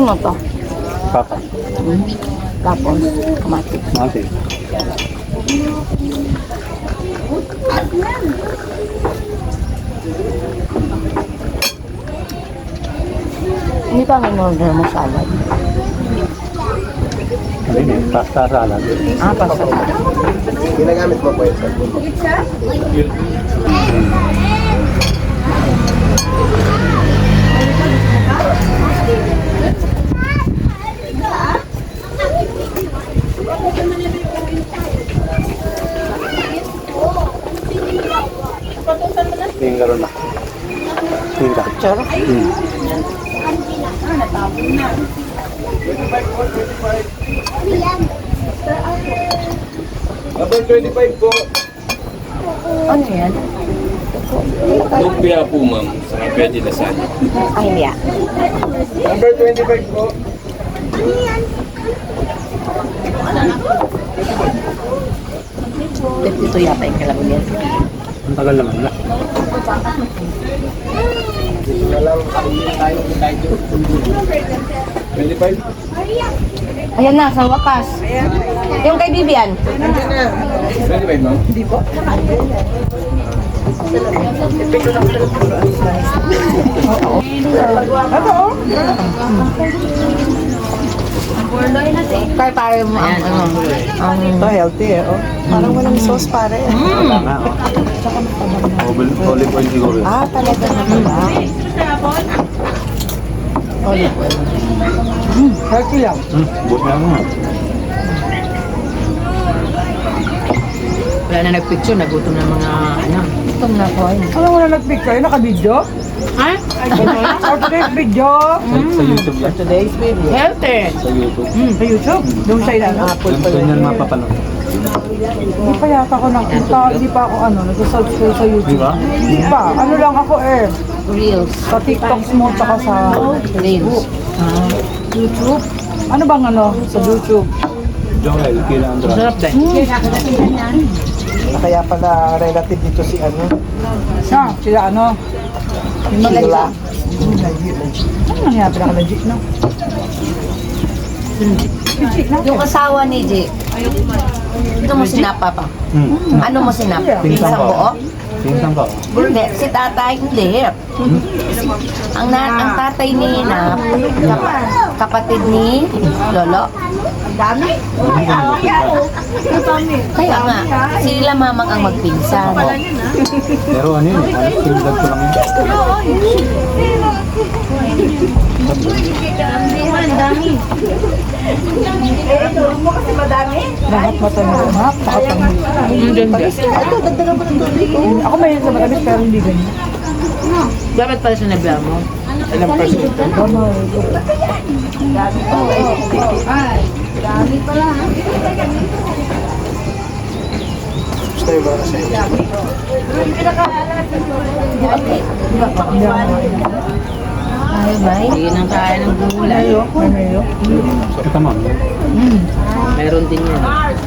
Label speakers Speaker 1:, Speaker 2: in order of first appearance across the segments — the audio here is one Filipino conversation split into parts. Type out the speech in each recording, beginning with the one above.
Speaker 1: Ano to?
Speaker 2: Papa.
Speaker 1: Tapos, kamatis.
Speaker 2: Mati.
Speaker 1: Hindi pa in-order mo salad.
Speaker 2: Hindi, pasta salad.
Speaker 1: Ah, pasta.
Speaker 3: Ginagamit mo po yun, sir?
Speaker 2: Tingin na. Tingin ka.
Speaker 1: Charo.
Speaker 3: Number 25 po.
Speaker 1: Ano yan?
Speaker 4: Lumpia po, ma'am. Saka pwede lasagna.
Speaker 1: Ay, hindi ah.
Speaker 3: Number 25 po.
Speaker 1: Ito yata yung kalabugyan.
Speaker 2: Ang tagal naman na.
Speaker 3: Walang tayo 25.
Speaker 1: Ayan na, sa wakas. Yung kay Vivian.
Speaker 3: 25, ma'am.
Speaker 1: Kaya pare mo ang ano.
Speaker 5: Ito, healthy eh. Oh. Parang walang sauce pare.
Speaker 2: Wala nga, oh. Olive oil siguro yun.
Speaker 5: Ah, talaga naman ba? Olive oil. Healthy lang.
Speaker 2: Buti na nga.
Speaker 6: Wala na nagpicture, nagutom ng mga ano.
Speaker 1: Itong na ko.
Speaker 5: Ano wala nag-picture? Naka-video?
Speaker 6: Ha?
Speaker 5: Or today's video?
Speaker 2: Sa YouTube yan.
Speaker 5: Today's video.
Speaker 6: Healthy!
Speaker 2: Sa YouTube.
Speaker 5: Sa YouTube? Doon sa ilan? Apple pa
Speaker 2: Ganyan mapapanood.
Speaker 5: Hindi pa yata ako nakita. Hindi pa ako nag-subscribe sa
Speaker 2: Di
Speaker 5: YouTube.
Speaker 2: ba?
Speaker 5: Hindi pa. Ano lang ako eh.
Speaker 1: Reels.
Speaker 5: Sa TikTok mo tsaka sa
Speaker 1: Reels.
Speaker 5: YouTube. Ano bang sa YouTube?
Speaker 2: Joel, kila Andra.
Speaker 6: Sarap din.
Speaker 3: Kaya pala relative dito si ano.
Speaker 5: Sila Yung
Speaker 3: Sheila.
Speaker 5: Ano nangyari ka legit, no? Legit na?
Speaker 1: Yung asawa ni J. Ito mo sinapa pa. Ano mo sinapa?
Speaker 2: Pinsang
Speaker 1: Isang
Speaker 2: ko.
Speaker 1: buo?
Speaker 2: Pinsang ko.
Speaker 1: Hindi. Si tatay, hindi. Ang tatay ni Nap, kapatid ni Lolo. Kaya nga, sila mamang ang magpinsan.
Speaker 2: Pero ano yun? Sinundan ko lang yun.
Speaker 5: Lahat matamis. Napakatamis. Ito, dagdagan mo ng tubig. Ako may sa matamis pero hindi ganyan.
Speaker 6: Dapat pala sa nabla mo.
Speaker 3: Ilang percent? Gusto yung ba sa inyo?
Speaker 1: Ay, bay.
Speaker 6: Hindi nang kaya ng gulay.
Speaker 5: May mayo.
Speaker 2: Kita mo.
Speaker 6: Meron din yan.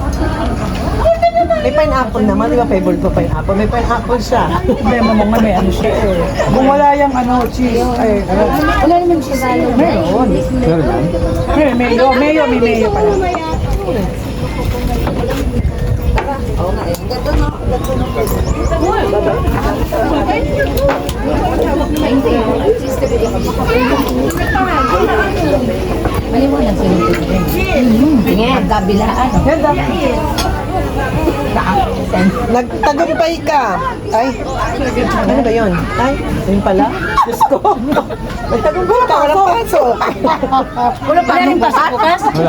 Speaker 5: May pineapple naman, di ba favorite ko pineapple? May pineapple siya. Hindi, mamang may siya eh. Kung wala yung cheese,
Speaker 1: Wala naman siya salo.
Speaker 5: meron.
Speaker 2: Pero yan.
Speaker 5: May mayo pala.
Speaker 1: Maliwanag sa YouTube din. Tingin, kabilaan.
Speaker 5: Ganda.
Speaker 7: Nagtagumpay ka. Ay, ano ba yun? Ay, yun pala. Diyos ko. Nagtagumpay ka, walang pasok.
Speaker 1: Wala pa rin pasok bukas?
Speaker 2: Wala.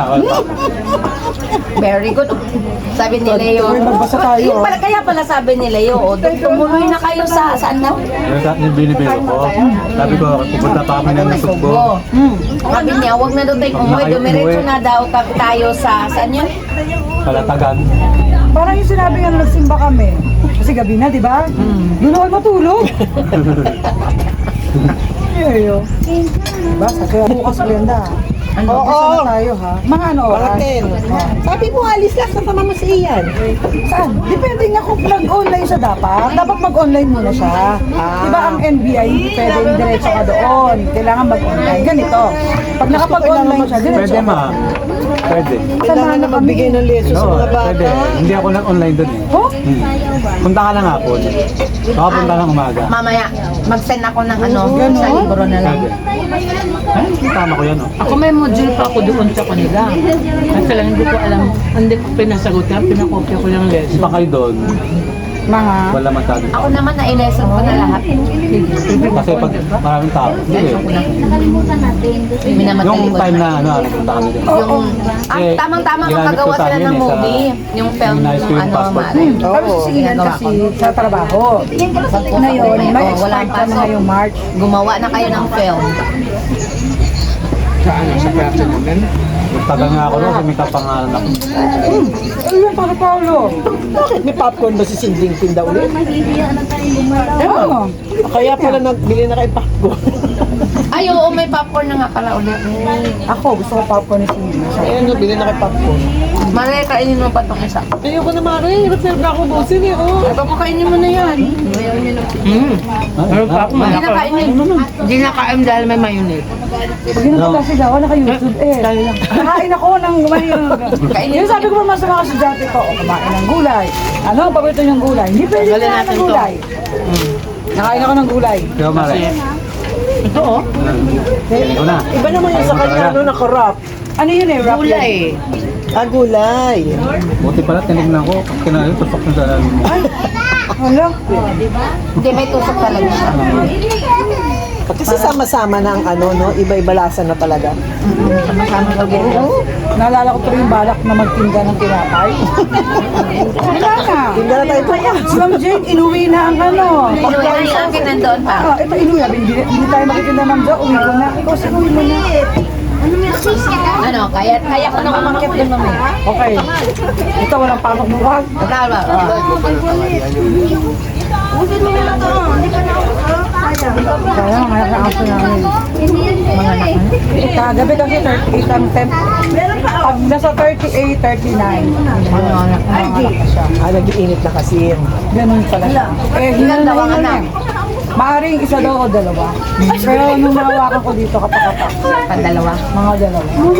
Speaker 1: Very good. Sabi ni Leo.
Speaker 5: Magbasa tayo.
Speaker 1: Yung pala, kaya pala sabi ni Leo, tumuloy na kayo sa saan na?
Speaker 2: Yung binibiro ko. Sabi ko, pupunta pa kami ng Nasugbo.
Speaker 1: Sabi niya, huwag na daw tayong umuwi. Dumiretso na daw tayo sa saan yun?
Speaker 2: Kalatagan.
Speaker 5: Parang yung sinabi nga nagsimba kami. Kasi gabi na, di ba? Doon ako matulog. Iyo. Diba? Kaya bukas Brenda. Ano,
Speaker 7: Oo.
Speaker 5: gusto na tayo ha? Mga ano oras?
Speaker 7: Parating. Sabi mo, alis lang, kasama mo si Ian.
Speaker 5: Saan? Depende nga kung mag-online siya dapat. Dapat mag-online muna siya. Diba ang NBI, hindi pwedeng diretso ka doon. Kailangan mag-online. Ganito. Pag nakapag-online siya, diretso
Speaker 2: Pwede
Speaker 5: ka.
Speaker 2: ma. Pwede.
Speaker 7: Kailangan na magbigay ng leso sa
Speaker 2: Oo,
Speaker 7: mga bata.
Speaker 2: pwede. Hindi ako nag-online doon eh.
Speaker 5: Oh?
Speaker 2: Punta ka lang hapon. Baka punta lang umaga.
Speaker 1: Mamaya, mag-send ako ng ano,
Speaker 5: Ganon?
Speaker 1: sa libro na lang.
Speaker 2: Pwede. Ay, tama ko yan oh.
Speaker 6: Ako may module pa ako doon sa kanila. Kasi lang hindi ko alam, hindi ko pinasagot na, pinakopya ko yung lesson.
Speaker 2: Punta kayo doon.
Speaker 5: Mga
Speaker 2: Wala masyado.
Speaker 1: Ako naman na i-lesson ko na lahat.
Speaker 2: Kasi pag maraming tao. Sige.
Speaker 1: Minamatay
Speaker 2: Yung
Speaker 1: ko
Speaker 2: time
Speaker 1: na.
Speaker 2: na punta kami doon.
Speaker 1: Yung,
Speaker 2: Eh,
Speaker 1: tamang-tama
Speaker 2: ginamit
Speaker 1: makagawa
Speaker 2: ko sa
Speaker 1: sila
Speaker 2: amin
Speaker 1: ng
Speaker 2: eh, sa-
Speaker 1: movie. Yung film
Speaker 2: Yung high school
Speaker 1: ng ano,
Speaker 2: passport.
Speaker 1: Mare.
Speaker 5: Pero si Ian
Speaker 1: ginagawa
Speaker 5: kasi
Speaker 1: ko.
Speaker 5: sa trabaho. Ngayon, may
Speaker 1: Oo, walang
Speaker 5: expect ka na
Speaker 1: pasok.
Speaker 5: ngayong March.
Speaker 1: Gumawa na kayo ng film.
Speaker 2: Magtagal nga ako doon kasi may kapangalan ako.
Speaker 5: Ano yung para Paolo?
Speaker 7: Bakit may popcorn ba si Sinding Pinda ulit?
Speaker 5: Ano?
Speaker 7: Kaya pala nagbili na kayo popcorn.
Speaker 1: Ay, oo, may popcorn na nga pala ulit.
Speaker 5: Ako, gusto ko popcorn ni Sina.
Speaker 7: Kaya nagbili na kayo popcorn.
Speaker 1: Mare, kainin mo pa itong isa.
Speaker 7: Ayoko na Mare, reserve na ako busin eh. Oh.
Speaker 1: Ay, papakainin mo na yan.
Speaker 6: Pero pa ako
Speaker 1: Hindi na kainin.
Speaker 6: Hindi na kain dahil may mayonnaise.
Speaker 5: Pag ginagawa sila ako, naka-YouTube eh. Nakain ako ng Yung sabi ko pa mas sa mga estudyante ko, kumain ng gulay. Ano ang paborito niyong gulay? Hindi pwede
Speaker 6: Tanggalin
Speaker 5: na
Speaker 6: natin
Speaker 5: ng
Speaker 6: to.
Speaker 5: gulay. Nakain ako ng gulay.
Speaker 2: Kaya Mare.
Speaker 6: Ito oh.
Speaker 2: Ito na.
Speaker 7: Iba naman yung sa kanya, ano, nakarap.
Speaker 5: Ano yun eh? Wrap
Speaker 6: Gulay.
Speaker 7: Ah, gulay.
Speaker 2: Buti pala tinignan ko. Pag kinali, tusok na sa lalim mo.
Speaker 5: Wala.
Speaker 1: Hindi, may tusok talaga siya.
Speaker 7: Kasi sama-sama na ang ano, no? Iba-iba lasa na talaga.
Speaker 1: Sama-sama
Speaker 5: Oo. Naalala ko tuloy yung balak na magtinda ng tinapay. Wala na.
Speaker 7: Hindi na tayo pa.
Speaker 5: Si Ma'am Jane, inuwi na ang ano.
Speaker 1: Inuwi ang akin nandoon pa.
Speaker 5: Ito inuwi. Hindi tayo makitinda Ma'am Jo. Uwi ko na. Ikaw sinuwi mo na.
Speaker 1: Ano, kaya ko na umakyat doon mamaya.
Speaker 5: Okay. Ito walang pamak buwag.
Speaker 1: Tama.
Speaker 5: Kaya nga nakaasa namin. Mga anak. Kagabi kasi 38 ang temp. Pag nasa 38, 39. Mga anak na siya.
Speaker 7: Ah, nag-iinit na kasi.
Speaker 5: Ganun pala siya. Eh,
Speaker 1: Ilan daw ang
Speaker 5: hinanayin
Speaker 1: anak?
Speaker 5: niya. Maaring isa daw o dalawa. Pero nung nahawakan ko dito kapakapak,
Speaker 1: Pandalawa.
Speaker 5: mga dalawa.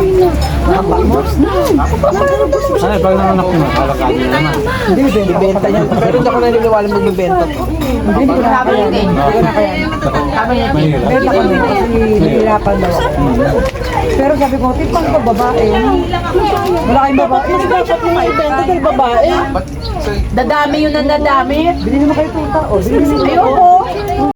Speaker 2: Ay, pag nanganak nyo, alakad nyo naman.
Speaker 5: Hindi,
Speaker 7: Ibenta niya. Pero hindi ako naniniwala magbibenta to.
Speaker 5: Hindi ko na kaya. Hindi ko na kaya.
Speaker 1: Sabi niya,
Speaker 2: Mahirap.
Speaker 5: Benta ko din kasi nahihirapan daw ako. Pero sabi ko, tipang ko babae. Wala kayong babae.
Speaker 7: Hindi dapat mo maibenta dahil babae.
Speaker 1: dadami yun ang dadami.
Speaker 5: Bili naman kayo tuta. O, bili naman kayo.
Speaker 1: Ayoko.